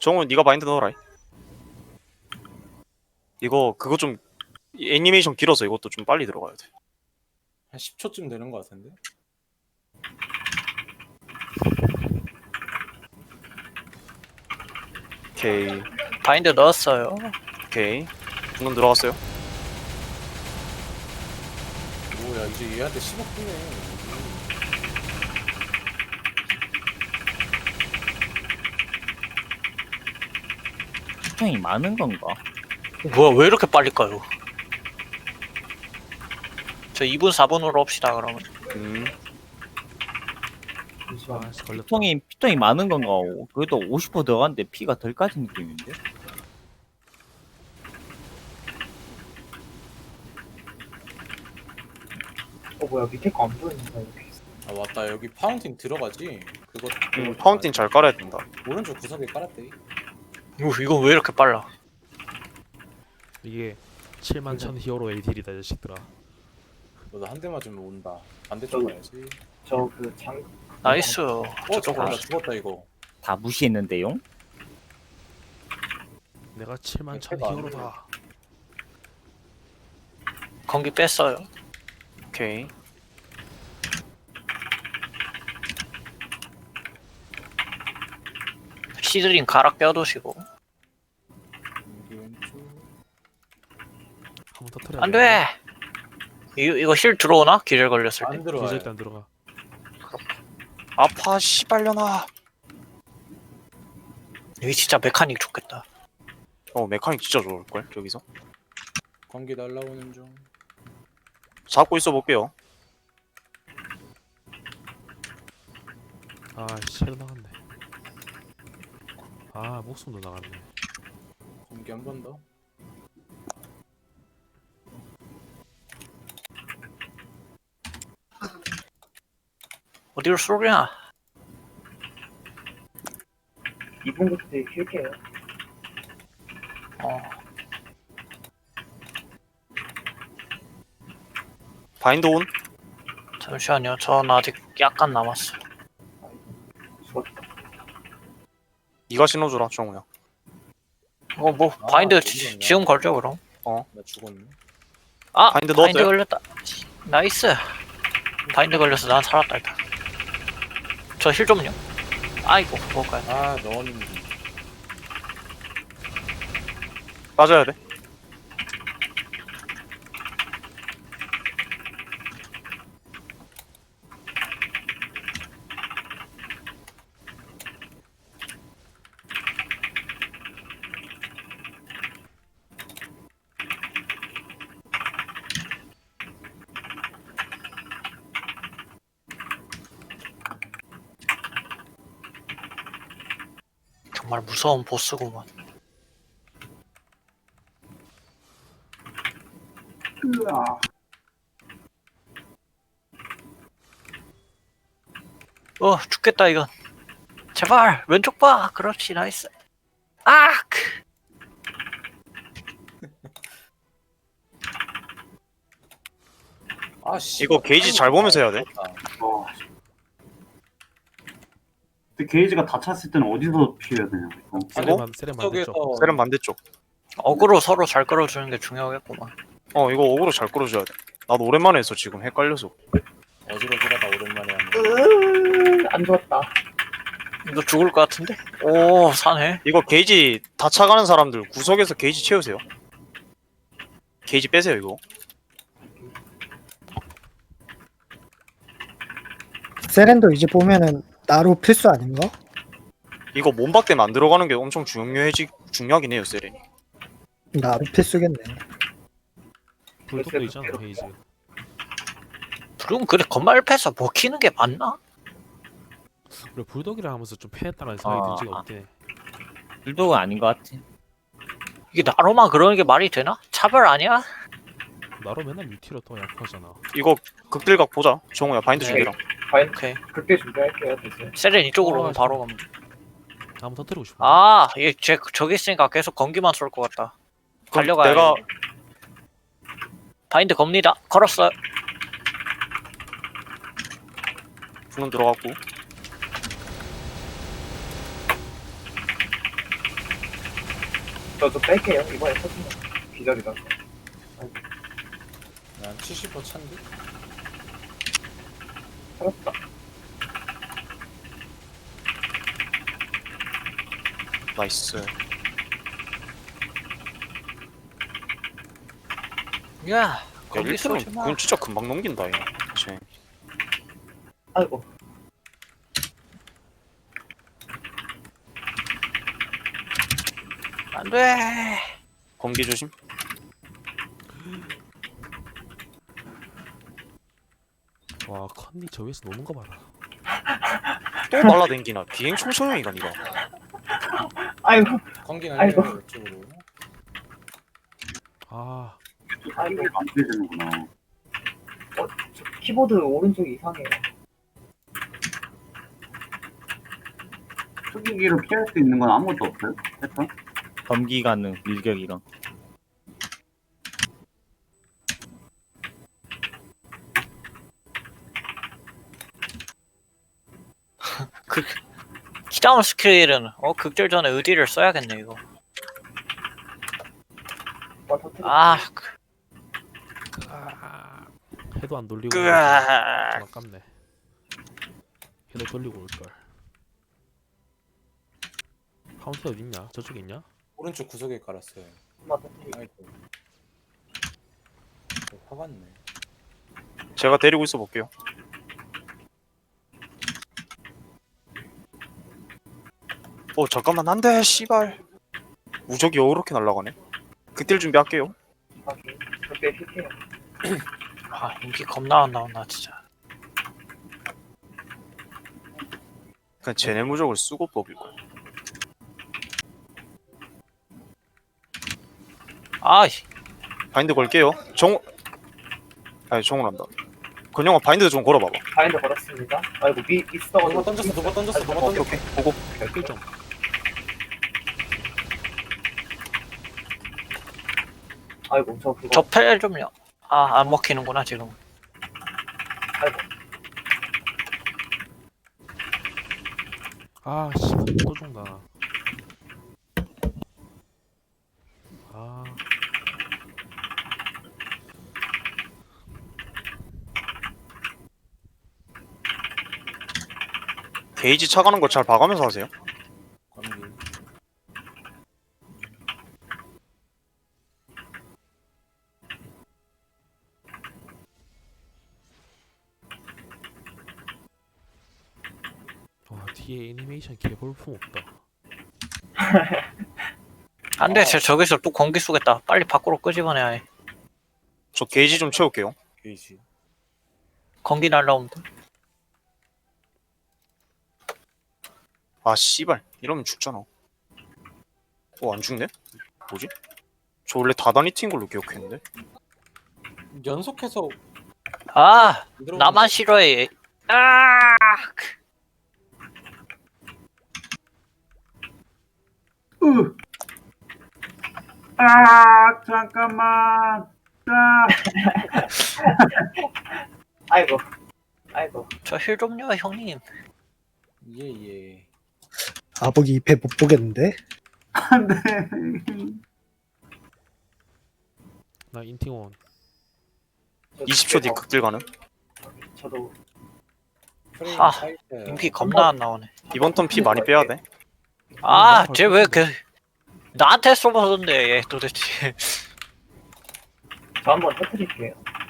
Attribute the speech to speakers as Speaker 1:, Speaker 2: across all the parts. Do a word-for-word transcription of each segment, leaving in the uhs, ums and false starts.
Speaker 1: 정우 네가 바인드 넣어라. 이거 그거 좀 애니메이션 길어서 이것도 좀 빨리 들어가야 돼.
Speaker 2: 한 십 초쯤 되는 것 같은데.
Speaker 1: 오케이
Speaker 3: 바인드 넣었어요.
Speaker 1: 오케이. 분노 들어갔어요.
Speaker 2: 오야 이제 얘한테 십억 분네.
Speaker 4: 수정이 많은 건가?
Speaker 3: 뭐야 왜 이렇게 빨리 까요? 저 이 분 사 분으로 합시다 그러면.
Speaker 1: 음.
Speaker 5: 아, 씨, 걸렸다.
Speaker 4: 피통이 피통이 많은 건가? 오, 그래도 오십 퍼센트 들어갔는데 피가 덜 까진 느낌인데?
Speaker 5: 어 뭐야 밑에 거 안 보이는데 이렇게 있어.
Speaker 2: 아 맞다 여기 파운틴 들어가지. 그거
Speaker 1: 음 파운틴 잘 깔아야 된다.
Speaker 2: 오른쪽 구석에 깔았대.
Speaker 3: 이거 이거 왜 이렇게 빨라?
Speaker 5: 이게 칠만 천 히어로 에이딜이다 이 자식들아.
Speaker 2: 너도 한 대 맞으면 온다. 반대쪽
Speaker 5: 어.
Speaker 2: 가야지.
Speaker 5: 저그 장.
Speaker 3: 나이스.
Speaker 2: 어
Speaker 3: 저쪽으로.
Speaker 2: 잠깐 나 죽었다 이거.
Speaker 4: 다 무시했는데요?
Speaker 5: 내가 칠만 천
Speaker 2: 택배가 안
Speaker 5: 히어로다.
Speaker 3: 건기 뺐어요.
Speaker 1: 오케이.
Speaker 3: 시드링 갈아 껴두시고.
Speaker 2: 여기 왼쪽.
Speaker 5: 한번 터트려.
Speaker 3: 안 돼. 이거 이거 힐 들어오나? 기절 걸렸을 때.
Speaker 2: 안
Speaker 5: 기절
Speaker 2: 들어와요.
Speaker 5: 일단 들어가.
Speaker 1: 아파 씨발려나.
Speaker 3: 여기 진짜 메카닉 좋겠다.
Speaker 1: 어 메카닉 진짜 좋을걸 여기서.
Speaker 2: 관계 날라오는 중.
Speaker 1: 잡고 있어 볼게요.
Speaker 5: 아, 쉐로 나갔네. 아, 목숨도 나갔네.
Speaker 2: 관계 한 번 더.
Speaker 3: 어디로 쏘냐?
Speaker 5: 이분 그때 킬게요.
Speaker 3: 어.
Speaker 1: 바인드 온.
Speaker 3: 잠시만요. 전 아직 약간 남았어.
Speaker 5: 죽었다.
Speaker 1: 네가 신어주라 정우야.
Speaker 3: 어, 뭐
Speaker 2: 아,
Speaker 3: 바인드
Speaker 2: 어디
Speaker 3: 지-
Speaker 2: 갔냐?
Speaker 3: 지금 걸죠 그럼?
Speaker 2: 나 죽었네.
Speaker 3: 아,
Speaker 1: 바인드
Speaker 3: 바인드,
Speaker 1: 넣었어요?
Speaker 3: 걸렸다. 나이스. 바인드 걸려서 난 살았다 일단. 저 힐 좀요. 아이고, 뭘까요?
Speaker 2: 아 넣었는데.
Speaker 1: 빠져야 돼.
Speaker 3: 정말 무서운 보스구만.
Speaker 5: 으아.
Speaker 3: 어, 죽겠다 이건. 제발 왼쪽 봐. 그렇지, 나이스. 아!
Speaker 2: 아 씨.
Speaker 1: 이거 게이지 잘 보면서 해야 돼.
Speaker 6: 어. 근데 게이지가 다 찼을 때는 어디서 피해야 되냐 이거.
Speaker 5: 세렘 세렘 반대쪽.
Speaker 2: 쪽에서
Speaker 1: 세렘 반대쪽.
Speaker 3: 어그로 서로 잘 끌어주는 게 중요하겠구만.
Speaker 1: 어 이거 어그로 잘 끌어줘야 돼. 나도 오랜만에 했어 지금 헷갈려서.
Speaker 2: 어지러지하다 오랜만에 하는.
Speaker 5: 으, 안 좋았다.
Speaker 3: 이거 죽을 것 같은데? 오, 사네.
Speaker 1: 이거 게이지 다 차가는 사람들 구석에서 게이지 채우세요. 게이지 빼세요 이거.
Speaker 7: 세렌도 이제 보면은 나로 필수 아닌가?
Speaker 1: 이거 몸박 때문에 안 들어가는 게 엄청 중요해지 중요하긴 해요 세렌이.
Speaker 7: 나로 필수겠네.
Speaker 5: 불독도 있잖아 헤이즈.
Speaker 3: 그럼 그래 건말 패서 먹히는 게 맞나?
Speaker 5: 그래 불독이라 하면서 좀 패했다는 생각이
Speaker 4: 아,
Speaker 5: 든 적이
Speaker 4: 아.
Speaker 5: 없긴 해.
Speaker 4: 불독은 아닌 것 같아.
Speaker 3: 이게 나로만 그러는 게 말이 되나? 차별 아니야?
Speaker 5: 나로 맨날 유티로 또 약하잖아.
Speaker 1: 이거 극딜각 보자. 정우야 바인드
Speaker 3: 네.
Speaker 1: 준비랑.
Speaker 5: 바인
Speaker 3: 오케이.
Speaker 5: 그때 준비할게요 대신.
Speaker 3: 세렌 이쪽으로
Speaker 5: 어,
Speaker 3: 오면 바로 가면 돼.
Speaker 5: 한번 터뜨리고 싶어.
Speaker 3: 아, 얘 제, 저기 있으니까 계속 건기만 쏠 것 같다. 달려가야
Speaker 1: 내가
Speaker 3: 돼. 바인드 겁니다. 걸었어요.
Speaker 1: 분은 들어갔고.
Speaker 8: 저도 뺄게요. 이번에 터지면 기다리다.
Speaker 2: 난 칠십 퍼센트 찬데?
Speaker 8: 살았다.
Speaker 1: 나이스.
Speaker 3: 야
Speaker 1: 야,
Speaker 3: 거기
Speaker 1: 일 킬은
Speaker 3: 쏘지 마.
Speaker 1: 그건 진짜 금방 넘긴다, 이거. 그치.
Speaker 8: 아이고.
Speaker 3: 안돼.
Speaker 1: 검기 조심.
Speaker 5: 와 컨니 저 위에서 노는 거 봐라.
Speaker 1: 또 날라댕기나. 비행총 소용이가, 니가.
Speaker 8: 아이고.
Speaker 2: 건기
Speaker 8: 아이고.
Speaker 2: 날려 이쪽으로.
Speaker 5: 아
Speaker 8: 아이고.
Speaker 6: 안 되는구나.
Speaker 8: 어, 저 키보드 오른쪽이 이상해요.
Speaker 6: 투기기로 피할 수 있는 건 아무것도 없어요? 패턴?
Speaker 4: 검기 가능 밀격이랑.
Speaker 3: 그 키다운 스킬은 어 극딜 전에 의디를 써야겠네 이거.
Speaker 8: 와, 터뜨리.
Speaker 3: 아 그,
Speaker 5: 아, 해도 안 돌리고 좀
Speaker 3: 으아.
Speaker 5: 아깝네. 해도 돌리고 올걸. 카운터 어디 있냐? 저쪽에 있냐?
Speaker 2: 오른쪽 구석에 깔았어요.
Speaker 8: 와, 터뜨리.
Speaker 2: 아이고. 저 화갔네.
Speaker 1: 제가 데리고 있어 볼게요. 어, 잠깐만, 안 돼, 씨발. 무적이 어그렇게 날아가네. 그때 준비할게요.
Speaker 8: 확인. 그때 킬게요.
Speaker 3: 아 인기 겁나 안 나온다 진짜.
Speaker 1: 그냥 쟤네 무적을 쓰고 뽑을거.
Speaker 3: 아이
Speaker 1: 바인드 걸게요. 정, 아니 정을 한다. 건영아 바인드 좀 걸어봐봐.
Speaker 8: 바인드 걸었습니다. 아이고, 미, 미스터가
Speaker 2: 누가 던졌어, 누가 던졌어, 누가
Speaker 1: 오케이
Speaker 2: 던졌어.
Speaker 1: 오케이 보고.
Speaker 5: 댓글 좀.
Speaker 8: 아이고, 저 그거.
Speaker 3: 저펠 좀요. 아 안 먹히는구나 지금.
Speaker 8: 아이고.
Speaker 5: 아 씨발 또 죽나. 아
Speaker 1: 게이지 차가는 거 잘 봐가면서 하세요.
Speaker 2: 건기.
Speaker 5: 와 뒤에 애니메이션 개볼품 없다.
Speaker 3: 안돼 저 저기서 또 공기 쏘겠다. 빨리 밖으로 끄집어내야 해.
Speaker 1: 저 게이지 좀 채울게요.
Speaker 2: 게이지.
Speaker 3: 공기 날라온다.
Speaker 1: 아 씨발 이러면 죽잖아. 어 안 죽네? 뭐지? 저 원래 다단이 튄 걸로 기억했는데.
Speaker 2: 연속해서
Speaker 3: 아
Speaker 2: 들어오는
Speaker 3: 나만 싫어해. 아
Speaker 6: 으! 아, 잠깐만. 아,
Speaker 8: 아이고. 아이고.
Speaker 3: 저 힐 좀요 형님.
Speaker 2: 예예.
Speaker 7: 아버기 이 배 못 보겠는데?
Speaker 6: 안 돼.
Speaker 5: 나 인팅원.
Speaker 1: 이십 초 뒤 극딜 가능.
Speaker 8: 저도.
Speaker 2: 프레임
Speaker 3: 아,
Speaker 2: 사이트.
Speaker 3: 인기 겁나 안 나오네.
Speaker 1: 이번 턴 피 많이 빼야 돼.
Speaker 3: 아 쟤 왜 그 나한테 쏘버던데 얘 도대체.
Speaker 8: 저 한번 터뜨릴게요.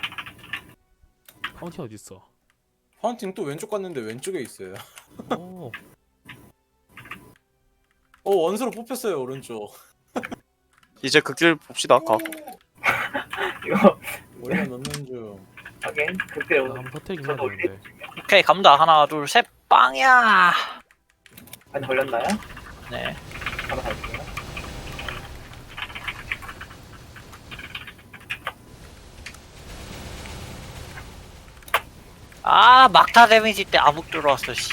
Speaker 5: 파운틴 어디 있어?
Speaker 2: 파운틴 또 왼쪽 갔는데 왼쪽에 있어요.
Speaker 5: 오
Speaker 2: 어 원수로 뽑혔어요 오른쪽.
Speaker 1: 이제 극딜 봅시다. 각.
Speaker 8: 이거,
Speaker 2: 우리가 넣는 중.
Speaker 8: 확인. 그때
Speaker 5: 나
Speaker 8: 오늘.
Speaker 5: 한번 터트리긴 해야
Speaker 8: 저도
Speaker 5: 되는데.
Speaker 3: 오케이 갑니다. 하나 둘 셋 빵이야.
Speaker 8: 많이 걸렸나요?
Speaker 3: 네.
Speaker 8: 바로 갈게요.
Speaker 3: 아 막타 데미지 때 아북 들어왔어 씨.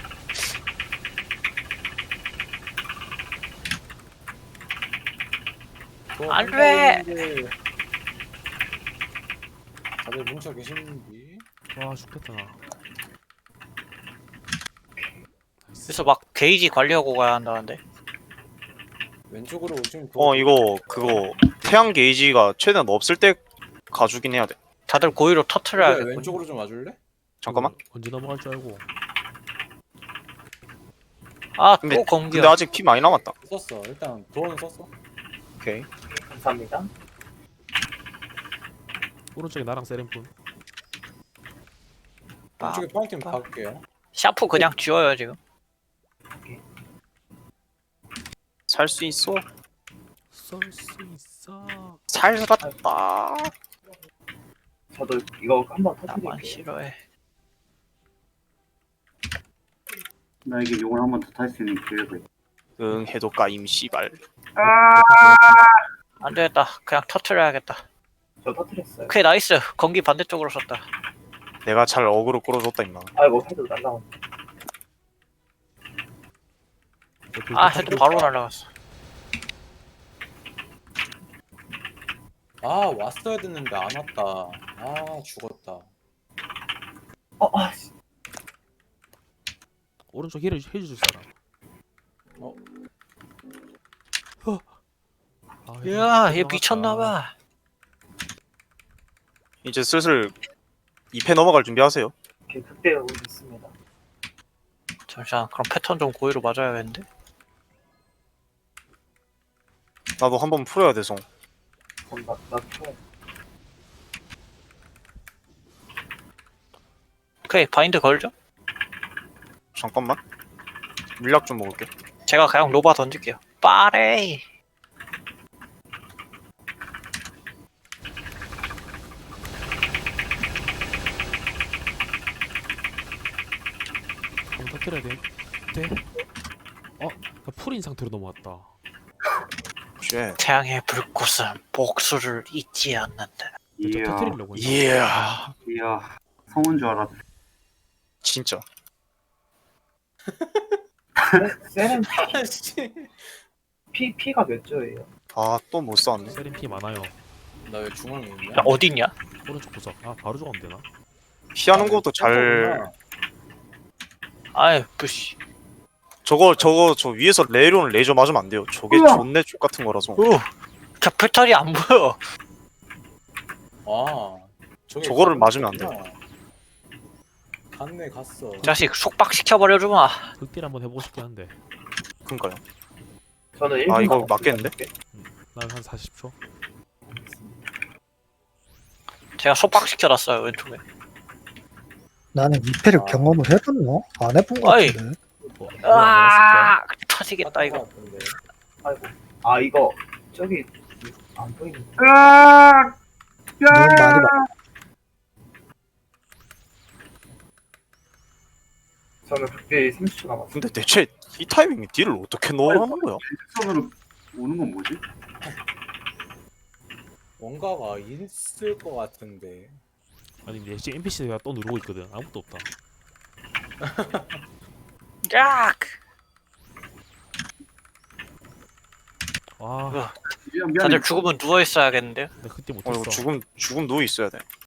Speaker 2: 저
Speaker 3: 안 돼!
Speaker 2: 한가운데 다들 뭉쳐 계시는지.
Speaker 5: 와 죽겠다 나.
Speaker 3: 그래서 막 게이지 관리하고 가야 한다는데.
Speaker 2: 왼쪽으로 오시면
Speaker 1: 어 이거 그거 태양 게이지가 최대한 없을 때 가주긴 해야 돼.
Speaker 3: 다들 고의로
Speaker 2: 그래,
Speaker 3: 터트려야겠군.
Speaker 2: 왼쪽으로 좀 와줄래?
Speaker 1: 잠깐만.
Speaker 5: 이거 언제 넘어갈 줄 알고.
Speaker 3: 아,
Speaker 1: 근데-
Speaker 3: 또 검기야.
Speaker 1: 근데 아직 피 많이 남았다.
Speaker 2: 썼어. 일단 도어는 썼어.
Speaker 1: 오케이.
Speaker 8: 감사합니다.
Speaker 5: 오른쪽에 나랑 세렌뿐.
Speaker 3: 아,
Speaker 2: 왼쪽에 파운틴
Speaker 3: 아.
Speaker 2: 박을게요.
Speaker 3: 샤프 그냥 지워요 지금.
Speaker 1: 살 수 있어.
Speaker 5: 쏠 수 있어.
Speaker 1: 살았다.
Speaker 8: 저도 이거 한번
Speaker 3: 나만
Speaker 8: 터뜨릴게요.
Speaker 3: 싫어해.
Speaker 6: 나에게 용을 한 번 더 탈 수 있는 기회가 있다.
Speaker 1: 응 해도 까임 씨발.
Speaker 3: 안 되겠다. 그냥 터트려야겠다.
Speaker 8: 저 터뜨렸어요.
Speaker 3: 오케이 나이스. 검기 반대쪽으로 썼다.
Speaker 1: 내가 잘 어그로 끌어줬다 임마.
Speaker 8: 아이고 헤드 날라왔네.
Speaker 3: 아 헤드 바로 날라갔어.
Speaker 2: 아 왔어야 됐는데 안 왔다. 아 죽었다.
Speaker 8: 어, 아, 씨.
Speaker 5: 오른쪽 힐을 해줄 사람.
Speaker 2: 어?
Speaker 5: 어. 아,
Speaker 3: 야,
Speaker 5: 헤드
Speaker 3: 얘
Speaker 5: 넘어갔다.
Speaker 3: 미쳤나봐.
Speaker 1: 이제 슬슬 이 패 넘어갈 준비하세요.
Speaker 8: 오케이, 그때 오고 있습니다.
Speaker 3: 잠시만, 그럼 패턴 좀 고의로 맞아야겠는데?
Speaker 1: 나도 한번 풀어야 돼서.
Speaker 8: 그럼 나, 나 쳐.
Speaker 3: 오케이, 바인드 걸죠?
Speaker 1: 잠깐만. 물약 좀 먹을게.
Speaker 3: 제가 그냥 로바 던질게요. 빠레이!
Speaker 5: 한번 터뜨려야 돼. 돼. 어? 나 풀인 상태로 넘어왔다.
Speaker 1: 쉣.
Speaker 3: 태양의 불꽃은 복수를 잊지 않는다.
Speaker 5: 저
Speaker 6: 이야,
Speaker 5: 터뜨리려고 했나?
Speaker 1: 이야.
Speaker 6: 이야, 성운 줄 알았어.
Speaker 1: 진짜.
Speaker 8: 세렌
Speaker 2: 아씨.
Speaker 8: 피, 피가 몇 조예요?
Speaker 1: 아 또 못 쐈네.
Speaker 5: 세린 피 많아요.
Speaker 2: 나 왜 중앙에 있냐?
Speaker 3: 야, 어딨냐?
Speaker 5: 오른쪽 구석. 아 바로 죽으면 되나?
Speaker 1: 피하는 것도 잘.
Speaker 3: 아이, 부시.
Speaker 1: 저거 저거 저 위에서 레이로는 레이저 맞으면 안 돼요. 저게
Speaker 6: 우와.
Speaker 1: 존내 족 같은 거라서.
Speaker 3: 오! 저 패턴이 안 보여.
Speaker 2: 아 저게
Speaker 1: 저거를 맞으면 안
Speaker 2: 있구나. 갔네 갔어.
Speaker 3: 이 자식 속박시켜버려주마.
Speaker 5: 극딜 한번 해보고 싶긴 한데.
Speaker 1: 그니까요.
Speaker 8: 저는 일
Speaker 1: 아,
Speaker 8: 분
Speaker 1: 이거
Speaker 8: 남았어요.
Speaker 1: 맞겠는데?
Speaker 5: 난 한 사십 초.
Speaker 3: 제가 속박시켜놨어요, 왼쪽에.
Speaker 7: 나는 이 패를
Speaker 2: 아.
Speaker 7: 경험을 해봤나? 안 해본 것
Speaker 3: 어이.
Speaker 7: 같은데.
Speaker 5: 뭐,
Speaker 3: 아, 터지겠다, 이거.
Speaker 2: 같은데.
Speaker 8: 아이고. 아, 이거, 저기, 안 보이는데.
Speaker 7: 너무 많이 봐.
Speaker 8: 저는 그때 삼십 초 남았어요.
Speaker 1: 근데 대체 이 타이밍에 딜을 어떻게 넣으라는 거야?
Speaker 6: 직선으로 오는 건 뭐지?
Speaker 2: 뭔가가 있을 것 같은데.
Speaker 5: 아니 근데 지금 엔피씨가 또 누르고 있거든. 아무것도 없다.
Speaker 3: 야!
Speaker 5: 아,
Speaker 6: 미안, 미안.
Speaker 3: 다들 죽으면 누워있어야겠는데요?
Speaker 5: 나 그때
Speaker 1: 어
Speaker 5: 못했어.
Speaker 1: 이거 죽음 죽음 누워 있어야 돼.